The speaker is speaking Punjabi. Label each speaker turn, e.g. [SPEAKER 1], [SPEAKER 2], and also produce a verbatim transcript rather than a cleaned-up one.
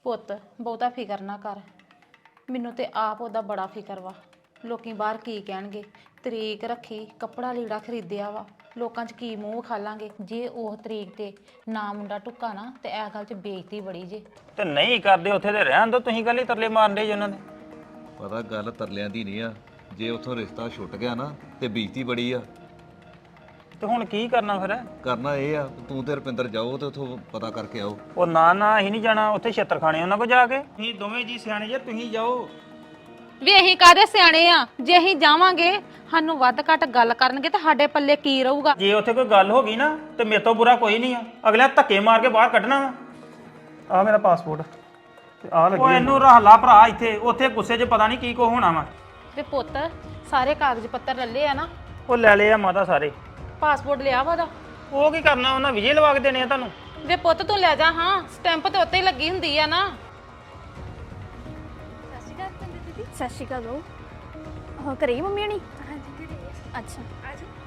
[SPEAKER 1] ਪੁੱਤ ਬਹੁਤਾ ਫਿਕਰ ਨਾ ਕਰ। ਮੈਨੂੰ ਤੇ ਆਪ ਉਹਦਾ ਬੜਾ ਫਿਕਰ ਵਾ। ਲੋਕੀ ਬਾਹਰ ਕੀ ਕਹਿਣਗੇ। ਤਰੀਕ ਰੱਖੀ, ਕੱਪੜਾ ਲੀੜਾ ਖਰੀਦਿਆ ਵਾ, ਲੋਕਾਂ 'ਚ ਕੀ ਮੂੰਹ ਖਾਲਾਂਗੇ। ਜੇ ਉਹ ਤਰੀਕ ਤੇ ਨਾ ਮੁੰਡਾ ਟੁੱਕਾ ਨਾ ਤੇ ਇਹ ਗੱਲ 'ਚ ਬੇਇੱਜ਼ਤੀ ਬੜੀ ਜੇ।
[SPEAKER 2] ਤੇ ਨਹੀਂ ਕਰਦੇ ਉੱਥੇ ਤੇ ਰਹਿਣ ਦੋ, ਤੁਸੀਂ ਕੱਲ ਹੀ ਤਰਲੇ ਮਾਰਦੇ ਜੀ ਉਹਨਾਂ ਦੇ।
[SPEAKER 3] ਪਤਾ ਗੱਲ ਤਰਲਿਆਂ ਦੀ ਨਹੀਂ ਆ, ਜੇ ਉੱਥੋਂ ਰਿਸ਼ਤਾ ਛੁੱਟ ਗਿਆ ਨਾ ਤੇ ਬੇਇੱਜ਼ਤੀ ਬੜੀ ਆ।
[SPEAKER 2] ਤੇ ਹੁਣ ਕੀ ਕਰਨਾ ਫਿਰ?
[SPEAKER 3] ਕਰਨਾ ਇਹ ਆ ਤੂੰ ਤੇ ਰੁਪਿੰਦਰ ਜਾਓ ਤੇ ਉੱਥੋਂ ਪਤਾ ਕਰਕੇ ਆਓ।
[SPEAKER 2] ਉਹ ਨਾ ਨਾ ਅਸੀਂ ਨਹੀਂ ਜਾਣਾ, ਉੱਥੇ ਛੇਤਰ ਖਾਣੇ ਉਹਨਾਂ ਕੋਲ ਜਾ ਕੇ। ਤੁਸੀਂ ਦੋਵੇਂ ਜੀ ਸਿਆਣੇ ਜੇ, ਤੁਸੀਂ ਜਾਓ।
[SPEAKER 1] ਵੀ ਅਸੀਂ ਕਾਹਦੇ ਸਿਆਣੇ ਆ? ਜੇ ਅਸੀਂ ਜਾਵਾਂਗੇ ਸਾਨੂੰ ਵੱਧ ਘੱਟ ਗੱਲ ਕਰਨਗੇ ਤੇ ਸਾਡੇ ਪੱਲੇ ਕੀ ਰਹੂਗਾ?
[SPEAKER 2] ਜੇ ਉੱਥੇ ਕੋਈ ਗੱਲ ਹੋ ਗਈ ਨਾ ਤੇ ਮੇਰੇ ਤੋਂ ਬੁਰਾ ਕੋਈ ਨਹੀਂ ਆ। ਅਗਲਾ ਧੱਕੇ ਮਾਰ ਕੇ ਬਾਹਰ ਕੱਢਣਾ ਵਾ। ਆ ਮੇਰਾ ਪਾਸਪੋਰਟ ਤੇ ਆ ਲੱਗੀ। ਉਹ ਇਹਨੂੰ ਰੱਖ ਲਾ ਭਰਾ ਇੱਥੇ, ਉੱਥੇ ਗੁੱਸੇ 'ਚ ਪਤਾ ਨਹੀਂ ਕੀ ਕੋ ਹੋਣਾ ਵਾ।
[SPEAKER 1] ਤੇ ਪੁੱਤ ਸਾਰੇ ਕਾਗਜ਼ ਪੱਤਰ ਲੱਲੇ ਆ ਨਾ?
[SPEAKER 2] ਉਹ ਲੈ ਲਏ ਆ ਮਾਤਾ ਸਾਰੇ।
[SPEAKER 1] ਪਾਸਪੋਰਟ ਲਿਆ ਵਾ ਉਹਦਾ?
[SPEAKER 2] ਉਹ ਕੀ ਕਰਨਾ, ਉਹਨਾਂ ਵਿਜੇ ਲਵਾ ਕੇ ਦੇਣੇ ਆ ਤੁਹਾਨੂੰ।
[SPEAKER 1] ਵੇ ਪੁੱਤ ਤੂੰ ਲੈ ਜਾ, ਹਾਂ ਸਟੈਂਪ ਤੇ ਉੱਤੇ ਹੀ ਲੱਗੀ ਹੁੰਦੀ ਆ ਨਾ।
[SPEAKER 4] ਸਤਿ ਸ਼੍ਰੀ ਅਕਾਲ ਦੀਦੀ।
[SPEAKER 5] ਸਤਿ ਸ਼੍ਰੀ ਅਕਾਲ। ਉਹ ਘਰੇ ਹੀ ਮੰਮੀ ਹਣੀ?
[SPEAKER 4] ਹਾਂਜੀ ਘਰੇ ਆ।
[SPEAKER 5] ਅੱਛਾ
[SPEAKER 4] ਆ ਜਾਓ।